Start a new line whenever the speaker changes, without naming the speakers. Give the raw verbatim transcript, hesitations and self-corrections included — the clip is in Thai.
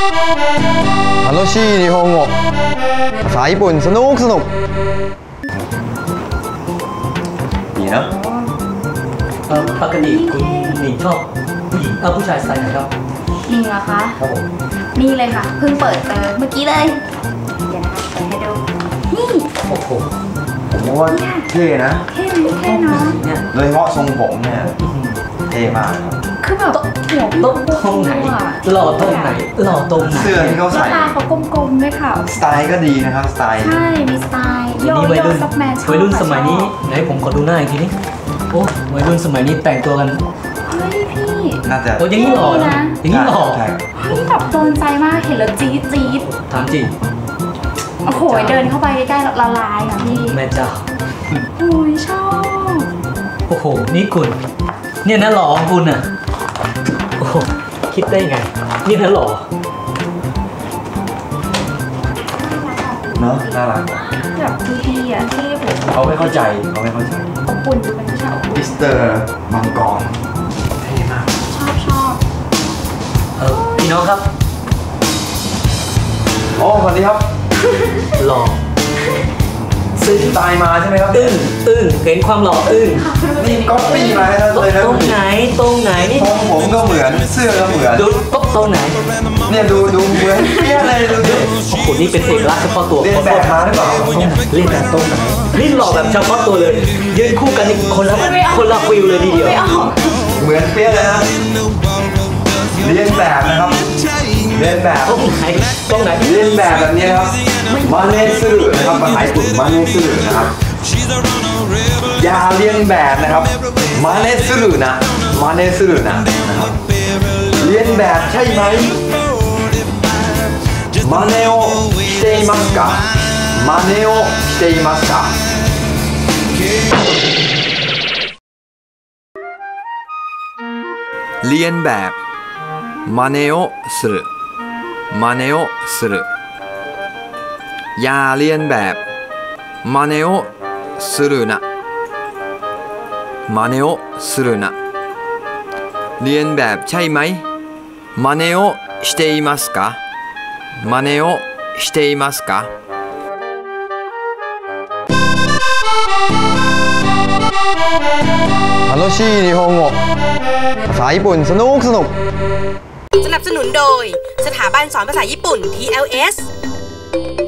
楽しい日本語ภาษาญี่ปุ่นสนุกสนุกดีนะ
เออปกติคุณหนิงชอบผู้หญิงเออผู้ชายสไตล์ไหนครับ
หนิงเหรอคะ
ครับผม
นี่เลยค่ะเพิ่งเปิดเจอเมื่อกี้เลยเดี๋ยวนะคะเปิดให้ดูนี่
โอ้โห
ผมว่าเท่นะ
เท่เท่เนาะ
โดยเฉพาะทรงผมเนี่ยเท่มาก
คือแบบหัว
ต้นตรงไหนหล่อตรงไหนหล่อตรงไหน
เสื้อที่เขาใส่
ตาเขากลมๆด้วยค่ะ
สไตล์ก็ดีนะครับสไตล์
ใช่มีสไตล์โยโย่ซับแมนชอบ
วัยรุ่นสมัยนี้ไหนผมขอดูหน้าอีกทีนี้โอ้วัยรุ่นสมัยนี้แต่งตัวกัน
เฮ้ยพี่
น่าจะ
โอ้ยังนี้หล่อนะยังนี้หล่อ
เฮ้ยแบบโดนใจมากเห็นแล้วจี๊ดจี๊ด
ถามจริง
โอ้โหเดินเข้าไปใกล้ๆละลายอ่ะพี่
แม่เจ้า
โอ้ยชอบ
โอ้โหนี่คุณเนี่ยนะหล่อของคุณอ่ะโอ้คิดได้ไงนี่นะหล่อ
เนาะน่ารัก
แบบดีๆอ่ะที่ผม
เขาไม่เข้าใจเขาไม่เข้าใจ
อบอุ่นดูเป็นผู้ชายอบอุ่น
มิสเตอร์มังกรเท่มาก
ชอบชอบ
เออพี่น้องครับ
โอ้สวัสดีครับ
หล่อ
ซื้อสไตล์มาใช่ไหมครับ
อึ้งอึ้งเห็นความหล่ออึ้ง
นี่ก๊อปปี้มาเลยนะ
ตรงไหนตรงไหนนี่
ทรงผมก็เหมือนเสื้อก็เหมือน
ดูก๊อปตรงไหน
เนี่ยดูดูเหมือนเปี้ยเลยดูดิ
โอ้โหนี่เป็นเอกลักษณ์เฉพาะตัว
เรียนแบบมาหรือเปล่า
เรียนแบบตรงไหนนี่หล่อแบบเฉพาะตัวเลยยืนคู่กันนี่คนละคนละฟิลเลยทีเดียว
เหมือนเปี้ยเลยนะเรียนแบบนะครับเรียนแบบ
ตรงไหนตรงไหน
เรียนแบบแบบนี้ครับมาเนสึนะครับภาษาญี่ปุ่นมาเนสึนะครับอย่าเรียนแบบนะครับมาเนสึนะมาเนสึนะนะครับเรียนแบบใช่ไหมมาเนโอしていますかมาเนโอしていますかเรียนแบบ真似をする真似をするอย่าเรียนแบบ真似をするな真似をするなเรียนแบบใช่ไหม真似をしていますか真似をしていますか楽しい日本語ภาษาญี่ปุ่นสนุกสนุก
สนับสนุนโดยสถาบันสอนภาษาญี่ปุ่น ที แอล เอส